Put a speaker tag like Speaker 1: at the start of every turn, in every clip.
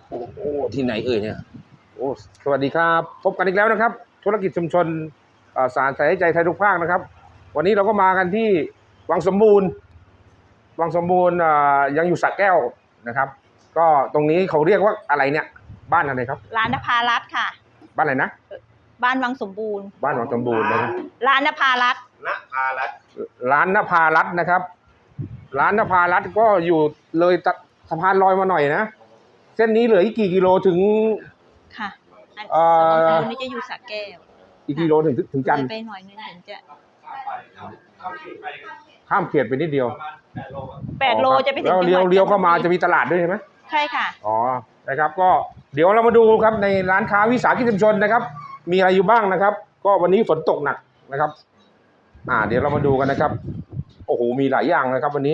Speaker 1: โอ้ที่ไหนเอ่ยเนี่ยโอ้สวัสดีครับพบกันอีกแล้วนะครับธุรกิจชุมชนสารใส่ใจไทยทุกภาคนะครับวันนี้เราก็มากันที่วังสมบูรณ์ยังอยู่สระแก้วนะครับก็ตรงนี้เขาเรียกว่าอะไรเนี่ยบ้านอะไรครับ
Speaker 2: ร้านนภารัตน์ค่ะ
Speaker 1: บ้านอะไรนะ
Speaker 2: บ้านวังสมบูรณ์
Speaker 1: บ้านวังสมบูรณ์นะครับ
Speaker 2: ร้านนภารัตน์
Speaker 1: ร้านนภารัตน์นะครับร้านนภารัตน์ก็อยู่เลยสะพานลอยมาหน่อยนะเส้นนี้เหลืออีกกี่กิโลถึง
Speaker 2: ค่ะวังสมบูรณ์นี่จะอยู่สระแก้ว
Speaker 1: อีกกิโลถึงจันทร์
Speaker 2: ไปหน่อยนึงถึงจะ
Speaker 1: ข้ามเขตไปนิดเดียว
Speaker 2: 8 โลจะไปถึง
Speaker 1: แล้วเลี้ยวเข้ามาจะมีตลาดด้วยใช่ไหม
Speaker 2: ใช่ค่ะ
Speaker 1: อ๋อนะครับก็เดี๋ยวเรามาดูครับในร้านค้าวิสาหกิจชุมชนนะครับมีอะไรอยู่บ้างนะครับก็วันนี้ฝนตกหนักนะครับเดี๋ยวเรามาดูกันนะครับโอ้โหมีหลายอย่างนะครับวันนี้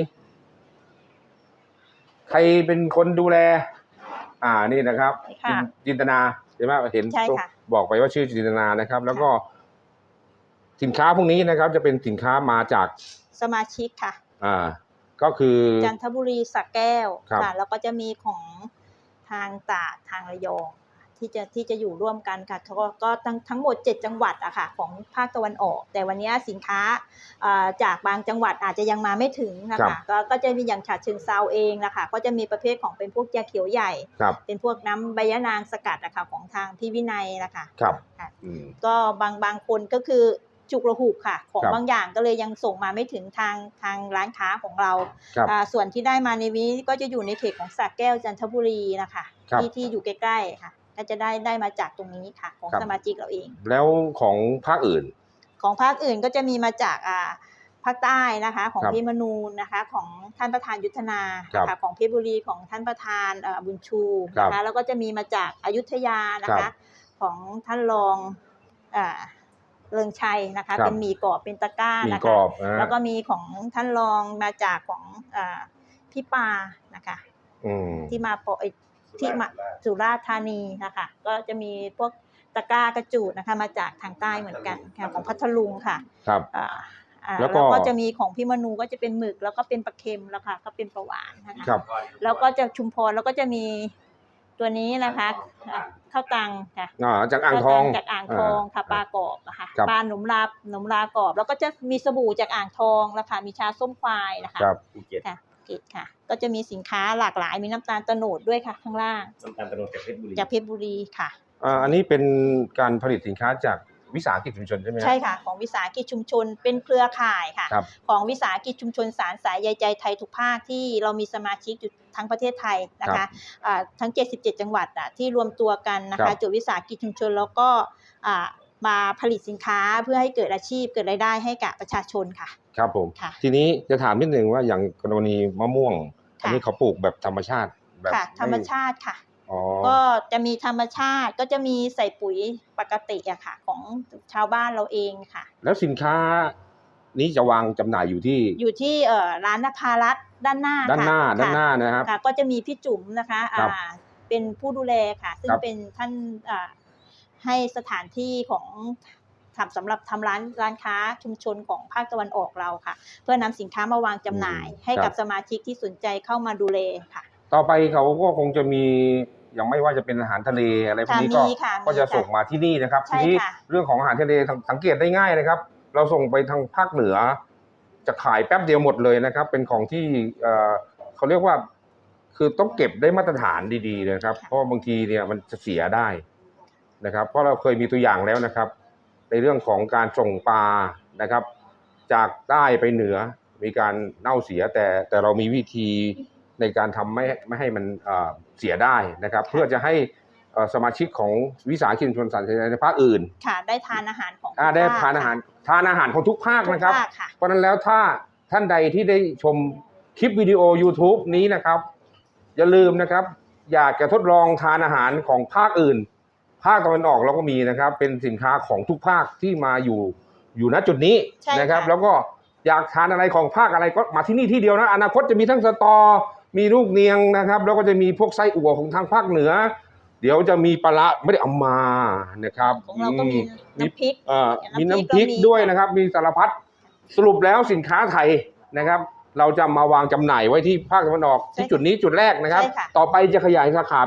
Speaker 1: ใครเป็นคนดูแลนี่นะครับจินตนาใช่ไหมเห็นบอกไปว่าชื่อจินตนานะครับแล้วก็สินค้าพวกนี้นะครับจะเป็นสินค้ามาจาก
Speaker 2: สมาชิกค่ะ
Speaker 1: ก็คือ
Speaker 2: จันทบุรีสระแก้วค่ะแล้วก็จะมีของทางตราดทางระยองที่จะอยู่ร่วมกันค่ะก็ทั้งหมด7 จังหวัดอะค่ะของภาคตะวันออกแต่วันนี้สินค้าจากบางจังหวัดอาจจะยังมาไม่ถึงนะคะก็จะมีอย่างฉะเชิงเทราเองนะคะก็จะมีประเภทของเป็นพวกยาเขียวใหญ่เป็นพวกน้ำใบยะนางสกัดอะค่ะของทางพี่วินัยนะคะก็บางคนก็คือจุกระหุกค่ะของบางอย่างก็เลยยังส่งมาไม่ถึงทางร้านค้าของเราส่วนที่ได้มาในนี้ก็จะอยู่ในเขตของสระแก้วจันทบุรีนะคะที่อยู่ใกล้ๆค่ะก็จะได้มาจากตรงนี้ค่ะของสมาชิกเราเอง
Speaker 1: แล้วของภาคอื่น
Speaker 2: ก็จะมีมาจากภาคใต้นะคะของพี่มนูนนะคะของท่านประธานยุทธนาค่ะของเพชรบุรีของท่านประธานบุญชูนะคะแล้วก็จะมีมาจากอยุธยานะคะของท่านรองเริงชัยนะคะเป็นหมี่กรอบเป็นตะกร้านะคะแล้วก็มีของท่านรองมาจากของพี่ปานะคะที่มาสุราษฎร์ธานีนะคะก็จะมีพวกตะกร้ากระจูดนะคะมาจากทางใต้เหมือนกันของพัทลุงค่ะแล้วก็จะมีของพี่มนูก็จะเป็นหมึกแล้วก็เป็นปลาเค็มแล้วค่ะก็เป็นปลาหวานนะคะแล้วก็จะชุมพรแล้วก็จะมีตัวนี้นะคะข้าวตังค่ะ
Speaker 1: จากอ่างทอง
Speaker 2: ค่ะปลากรอบนะคะปลาหนมลากรอบแล้วก็จะมีสบู่จากอ่างทองแล้วค่ะมีชาส้มควายนะคะค่ะก็จะมีสินค้าหลากหลายมีน้ำตาลโตนดด้วยค่ะข้างล่าง
Speaker 3: น้ำตาลโตนดจาก
Speaker 2: เพชรบุรีค่ะ
Speaker 1: อันนี้เป็นการผลิตสินค้าจากวิสาหกิจชุมชนใช่ไหม
Speaker 2: ใช่ค่ะของวิสาหกิจชุมชนเป็นเครือข่ายค่ะของวิสาหกิจชุมชนสารสายใยใจไทยทุกภาคที่เรามีสมาชิกอยู่ทั้งประเทศไทยนะคะทั้ง77 จังหวัดที่รวมตัวกันนะคะจดวิสาหกิจชุมชนแล้วก็มาผลิตสินค้าเพื่อให้เกิดอาชีพเกิดรายได้ให้กับประชาชนค่ะ
Speaker 1: ครับผมทีนี้จะถามนิดนึงว่าอย่างกรณีมะม่วงอันนี้เขาปลูกแบบธรรมชาติแบบ
Speaker 2: ธรรมชาติค่ะก็จะมีธรรมชาติก็จะมีใส่ปุ๋ยปกติอะค่ะของชาวบ้านเราเองค่ะ
Speaker 1: แล้วสินค้านี้จะวางจำหน่ายอยู่ที่
Speaker 2: ร้านนภารัตน์ด้านหน้า
Speaker 1: นะครับ
Speaker 2: ก็จะมีพี่จุ๋มนะคะเป็นผู้ดูแลค่ะซึ่งเป็นท่านให้สถานที่ของสำหรับทำร้านค้าชุมชนของภาคตะวันออกเราค่ะเพื่อนำสินค้ามาวางจำหน่ายให้กับสมาชิกที่สนใจเข้ามาดูแลค่ะ
Speaker 1: ต่อไปเขาก็คงจะมีอย่างไม่ว่าจะเป็นอาหารทะเลอะไรพวกนี้ก็จะส่งมาที่นี่นะครับทีนี้เรื่องของอาหารทะเลสังเกตได้ง่ายนะครับเราส่งไปทางภาคเหนือจะขายแป๊บเดียวหมดเลยนะครับเป็นของที่เขาเรียกว่าคือต้องเก็บได้มาตรฐานดีๆนะครับเพราะบางทีเนี่ยมันจะเสียได้นะครับเพราะเราเคยมีตัวอย่างแล้วนะครับในเรื่องของการส่งปลานะครับจากใต้ไปเหนือมีการเน่าเสียแต่เรามีวิธีในการทำไม่ให้มันเสียได้นะครับเพื่อจะให้สมาชิกของวิสาหกิจชุมชนสารสายในภาคอื่น
Speaker 2: ค่ะได้ทานอาหารของ
Speaker 1: ได้ทานอาหารของทุกภาคนะครับเพราะนั้นแล้วถ้าท่านใดที่ได้ชมคลิปวิดีโอ YouTube นี้นะครับอย่าลืมนะครับอยากจะทดลองทานอาหารของภาคอื่นภาคตะวันออกเราก็มีนะครับเป็นสินค้าของทุกภาคที่มาอยู่ณจุดนี้นะครับแล้วก็อยากทานอะไรของภาคอะไรก็มาที่นี่ที่เดียวนะอนาคตจะมีทั้งสตอมีลูกเนียงนะครับแล้วก็จะมีพวกไส้อั่วของทางภาคเหนือเดี๋ยวจะมีปลาไม่ได้เอามานะครับ
Speaker 2: ของเราก็มีน้ำพริก
Speaker 1: มีน้ำพริกด้วยนะครับมีสารพัดสรุปแล้วสินค้าไทยนะครับเราจะมาวางจำหน่ายไว้ที่ภาคตะวันออกที่จุดนี้จุดแรกนะครับต่อไปจะขยายสาขา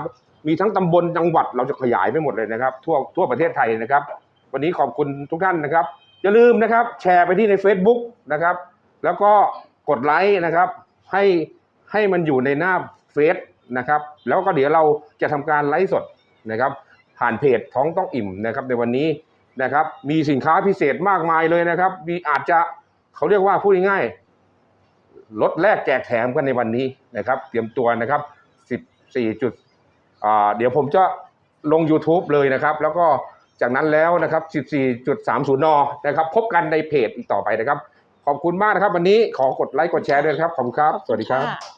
Speaker 1: มีทั้งตำบลจังหวัดเราจะขยายไปหมดเลยนะครับทั่วประเทศไทยนะครับวันนี้ขอบคุณทุกท่านนะครับอย่าลืมนะครับแชร์ไปที่ใน Facebook นะครับแล้วก็กดไลค์นะครับให้มันอยู่ในหน้าเฟซนะครับแล้วก็เดี๋ยวเราจะทำการไลฟ์สดนะครับผ่านเพจท้องต้องอิ่มนะครับในวันนี้นะครับมีสินค้าพิเศษมากมายเลยนะครับมีอาจจะเขาเรียกว่าพูดง่ายๆลดแลกแจกแถมกันในวันนี้นะครับเตรียมตัวนะครับ14จุดเดี๋ยวผมจะลง YouTube เลยนะครับแล้วก็จากนั้นแล้วนะครับ 14.30 นนะครับพบกันในเพจอีกต่อไปนะครับขอบคุณมากนะครับวันนี้ขอกดไลค์กดแชร์ด้วยครับขอบคุณครับสวัสดีครับ